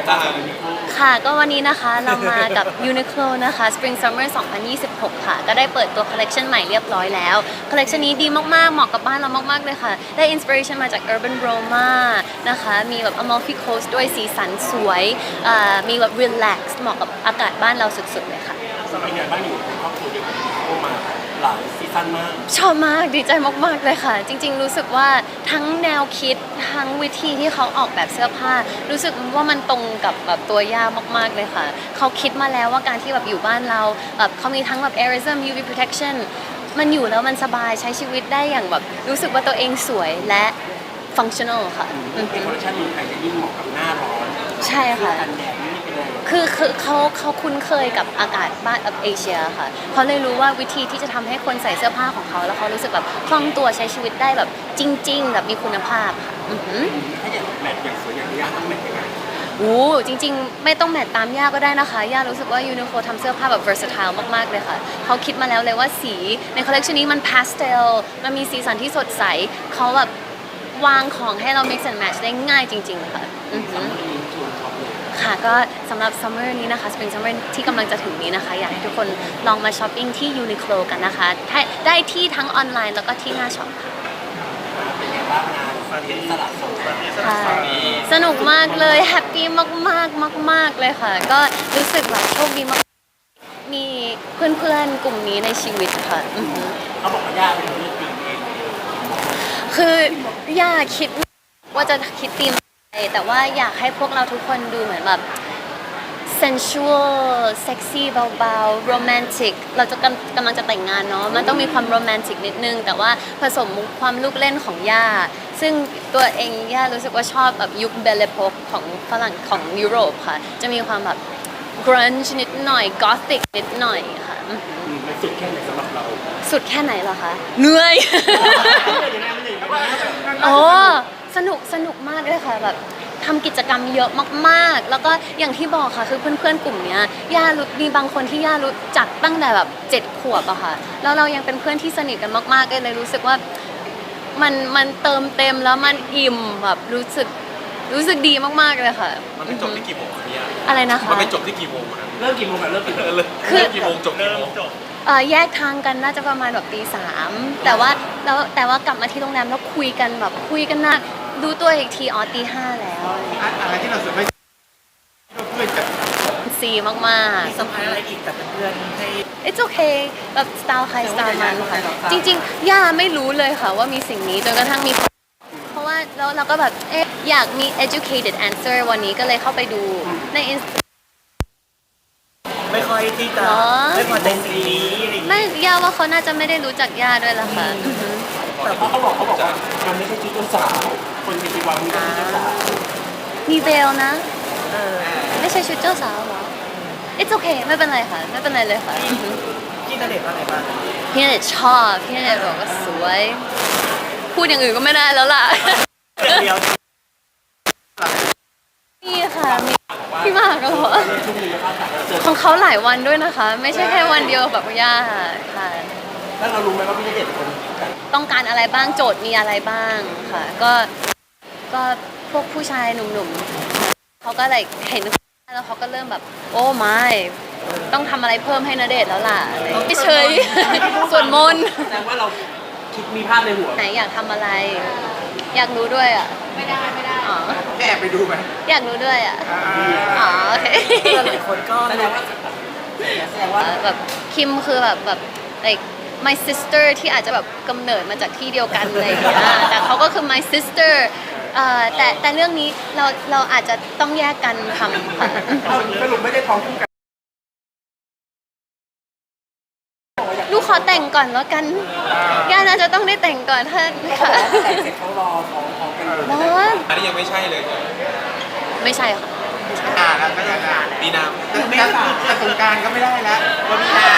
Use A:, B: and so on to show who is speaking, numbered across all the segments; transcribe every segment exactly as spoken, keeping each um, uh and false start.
A: บ้าง
B: ค่ะก็วันนี้นะคะเรามากับ Uniqlo นะคะ Spring Summer สองพันยี่สิบหก ค่ะก็ได้เปิดตัวคอลเลคชันใหม่เรียบร้อยแล้วคอลเลคชันนี้ดีมากๆเหมาะกับบ้านเรามากๆเลยค่ะได้อินสปิเรชันมาจาก Urban Roma นะคะมีแบบ Amalfi Coast ด้วยสีสันสวยมีแบบ relax เหมาะกับอากาศบ้านเราสุดๆเลยค่ะ
A: สมัยงานบ้านอยู่เป็นครอบครัวเดียวกันเข้ามาหลายซีซั่นมาก
B: ชอบมากดีใจมากๆเลยค่ะจริงๆรู้สึกว่าทั้งแนวคิดทั้งวิธีที่เขาออกแบบเสื้อผ้ารู้สึกว่ามันตรงกับแบบตัวย่ามากๆเลยค่ะเขาคิดมาแล้วว่าการที่แบบอยู่บ้านเราแบบเขามีทั้งแบบ Airism ยู วี Protection มันอยู่แล้วมันสบายใช้ชีวิตได้อย่างแบบรู้สึกว่าตัวเองสวยและ functional ค่ะ
A: เป็นคอลเลคชันนี้ใครจะยิ่งเหมาะกับหน้าร้อน
B: ใช่ค่ะ
A: กันแดดนี่เป็นอะไร
B: คือคือเขาเขาคุ้นเคยกับอากาศบ้านเอเชียค่ะเขาเลยรู้ว่าวิธีที่จะทำให้คนใส่เสื้อผ้าของเขาแล้วเขารู้สึกแบบคล่องตัวใช้ชีวิตได้แบบจริงๆแบบมีคุณภาพค่ะ
A: ถ้าอย่างแมทอย่างสวยอย่างย่าต้องแมทยังไง
B: โอ้จริงๆไม่ต้องแมทตามย่าก็ได้นะคะย่ารู้สึกว่า Uniqlo ทำเสื้อผ้าแบบ versatile มากๆเลยค่ะเขาคิดมาแล้วเลยว่าสีในคอลเลคชันนี้มัน pastel มันมีสีสันที่สดใสเขาแบบวางของให้เรา mix and match ได้ง่ายจริงๆค่ะค่ะก็สำหรับ summer นี้นะคะ spring summer ที่กำลังจะถึงนี้นะคะอยากให้ทุกคนลองมาช้อปปิ้งที่ Uniqlo กันนะคะได้ที่ทั้งออนไลน์แล้วก็ที่หน้าช็อปค่ะ
A: เป็นไงบ้างงานฟาริสลัดโซน
B: สนุกมากเลยแฮปปี้มากๆมากๆเลยค่ะก็รู้สึกแบบโชคดีมากมีเพื่อนๆกลุ่มนี้ในชีวิตค่ะ
A: เขาบอกว่าย่าเป็นคนเลือกธีมเอง
B: คือย่าคิดว่าจะคิดธีมแต่ว่าอยากให้พวกเราทุกคนดูเหมือนแบบ sensual sexy เบาๆ romantic เราจะกำลังจะแต่งงานเนาะมันต้องมีความ romantic นิดนึงแต่ว่าผสมความลูกเล่นของย่าซึ่งตัวเองย่ารู้สึกว่าชอบแบบยุคเบลเลโพกของฝรั่งของยุโรปค่ะจะมีความแบบ grunge นิดหน่อย gothic นิดหน่อยค่ะ
A: มันสุดแค่ไหนสำหรับเรา
B: สุดแค่ไหนเหรอคะเหนื่อยโอ้สนุกสนุกมากเลยค่ะแบบทำกิจกรรมเยอะมากๆแล้วก็อย่างที่บอกค่ะคือเพื่อนๆกลุ่มนี้ย่ารู้มีบางคนที่ย่ารู้จักตั้งแต่แบบเจ็ดขวบอะค่ะแล้วเรายังเป็นเพื่อนที่สนิทกันมากๆเลยรู้สึกว่ามันมันเติมเต็มแล้วมันอิ่มแบบรู้สึกรู้สึกดีมากๆเลยค่ะ
A: มันไปจบที่กี่โมงเนี่ย
B: อะไรนะคะ
A: มันไปจบที่กี่โมงเริ่มกี่โมงเริ่มกี่โมงเริ่มกี่โมงจบกี่โมง
B: แยกทางกันน่าจะประมาณแบบตีสามแต่ว่าแล้วแต่ว่ากลับมาที่โรงแรมแล้วคุยกันแบบคุยกันนะดูตัวอีกทีอ๋อตีห้าแล้ว
A: อะไรที่เราสุดไม่เพื่อนกัน
B: ซีมากๆมี
A: สัมภาระอะไรอีกแต่เพื่อนให้
B: it's okay แบบสไตล์ใครสไตล์มันค่ะจริงๆย่าไม่รู้เลยค่ะว่ามีสิ่งนี้จนกระทั่งมีเพราะว่าแล้วเราก็แบบเอ๊ะอยากมี educated answer วันนี้ก็เลยเข้าไปดูใน
A: ไม่ค่อยที่จะไม่พอใจสีนี้
B: ไม่ย่าว่าเขาน่าจะไม่ได้รู้จักย่าด้วยล่ะค่ะ
A: แต่เขาบอกเขาบอกว่ามันไม่ใช่ชุดเจ้าสาวคนมีที่วางมีชุดเจ้าสาว
B: มีเบลนะไม่ใช่ชุดเจ้าสาวหรอ it's okay ไม่เป็นไรค่ะไม่เป็นไรเลยค่ะ
A: พี่ณเดชน์ว่าไงบ้าง
B: พี่ณเดชน์ชอบพี่ณเดชน์บอกว่าสวยพูดอย่างอื่นก็ไม่ได้แล้วล่ะมีค่ะมีพี่มากเหรอของเขาหลายวันด้วยนะคะไม่ใช่แค่วันเดียวแบบย่าค่ะ
A: แล้วเรารู้ไหมว่าพี่ณเดชน์เป็นคน
B: ต้องการอะไรบ้างโจทย์มีอะไรบ้างค่ะก็ก็พวกผู้ชายหนุ่มๆเขาก็เลยเห็นแล้วเขาก็เริ่มแบบโอ้ไม่ต้องทำอะไรเพิ่มให้ณเดชน์แล้วล่ะไม่เฉยส่วนมน
A: แสดงว่าเราคิดมีภาพในหัว
B: ไหนอยากทำอะไรอยากรู้ด้วยอ่ะ
A: ไม่ได้ไม่ได้อ๋อแอบไปดูไหม
B: อยากรู้ด้วยอ่ะอ๋อโอเค
A: หลายคนก็แสดงว่าแสดงว่า
B: แบบคิมคือแบบแบบ like my sister ที่อาจจะแบบกำเนิดมาจากที่เดียวกันอะไรอย่างเงี้ยแต่เขาก็คือ my sister แต่แต่เรื่องนี้เราเราอาจจะต้องแยกกันทำค่ะ
A: สรุปไม่ได้ท้องคู่กัน
B: ลูกขอแต่งก่อนแล้วกันย่าน่าจะต้องได้แต่งก่อนถ้าค่ะ
A: แต่งเสร็จเขารอท้องท้องกันเลย
B: ร้อน
A: อันนี้ยังไม่ใช่เลย
B: ไม่ใช่ค่ะ
A: อ่าแล้วก็ยังมีน้ำไม่แต่สงการก็ไม่ได้แล้วก็มีน้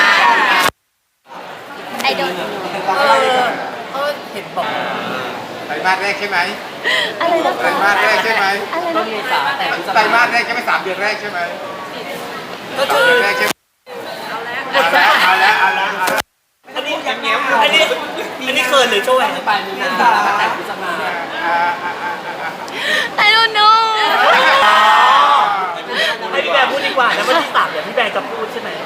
B: ำไอดอล
A: เขาเห็นบอกไตรมาสแรกใช่ไหม
B: อะไรนะ
A: ไตรมาสแรกใช่ไหม
B: อะไรนะ
A: ไตรมาสแรกใช่ไหมสามเดือนแรกใช่ไหมก็คือแรกใช่ไหมเอาแล้วเอาแล้วเอาแล้วเอาแล้วอันนี้ยังเงี้ยอันนี้อันนี้เขินหรือโชว์แหวนไปมีนาแต่พิจารณา
B: I don't know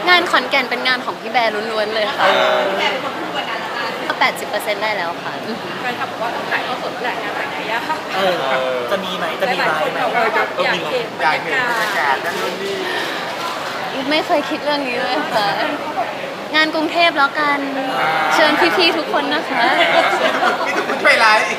B: งานขอนแก่นเป็นงานของพี่แบร์ล้วนๆเลยค่ะก็แปดสิบเปอร์เซ็นต์ได้แล้วค่ะอือหือ
C: แฟนคลับบอกว่าต้องถ่ายทอดสดเมื่อไหร่งานแต่งงานยาก
A: เออจะมีไหมจะมี
C: หลาย
A: ไหม
C: ๆคนบอกว่าแบบอยากเห็นบร
D: อยาร ก
C: ยา
D: เห็นบรรยาก
C: า
D: า
C: ศ
D: ศนั่นนู่นนี่
B: ไม่เคยคิดเรื่องนี้เลยค่ะ งานกรุงเทพแล้วกัน เชิญพี่ๆทุกคนนะคะ
D: พี่ทุกคนช่วยไลฟ์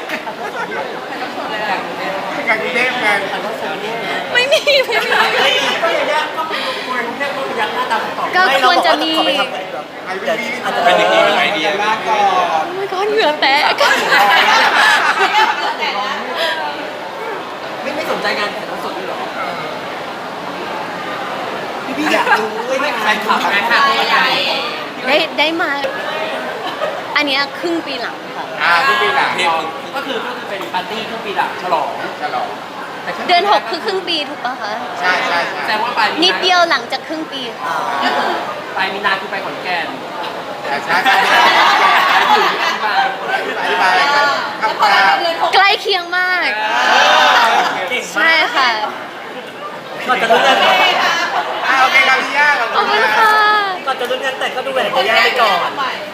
D: งานกรุงเทพงาน
B: ไม่มีไม่มี
A: ไม่ก็อย่างเงี้ยก็เป็นคนกรุงเทพก็ยักหน้าตาตอบ
B: ก็ควรจะมี
A: ขอไปทำอะไรแบบ
D: ไอ้พี่พี่
A: อาจจะ
D: เป็นอย่างนี้ไอเดียมากก่อน
B: โอ้ my god เหงื่อแตก
A: ไม่ไม่สนใจงานถ่ายทอดสดด้วยหรอพี่พี่อยากรู้ไม่แฟนคลับแฟนคลับใหญ่
B: ได้ได้มา อันเนี้ยครึ่งปีหลังค่ะ
D: อ่าพี่ปีหลัง
A: ก็คือก็คือเป็นปาร์ตี้ครึ่งปีหลังฉลอง
D: ฉลอง
B: เดือนหกคือครึ่งปีถูกปะคะ
D: ใช่ใช่ใช่
A: แต่ว่าปลายมีนา
B: นิดเดียวหลังจากครึ่งปีค่ะ
A: ปลายมีนาคือไปขอนแก่น
D: ใช่ใช่ใช่อธิบายกันครับคร่าว
B: ใกล้เคียงมาก
A: เก่ง
B: ใช่
A: มาก
B: ค่ะ
A: ก่อนจะลุ้นเงิน
D: ๆอ่าโอเคครับพี่ย่าขอบ
B: ขอบ
D: คุ
B: คุณ ณ
D: ครั
B: ค่ะ
D: บ
A: ก่อนจะลุ้นเงินแต่งก็ดูแหวนจะย่าไปก่อน
C: เ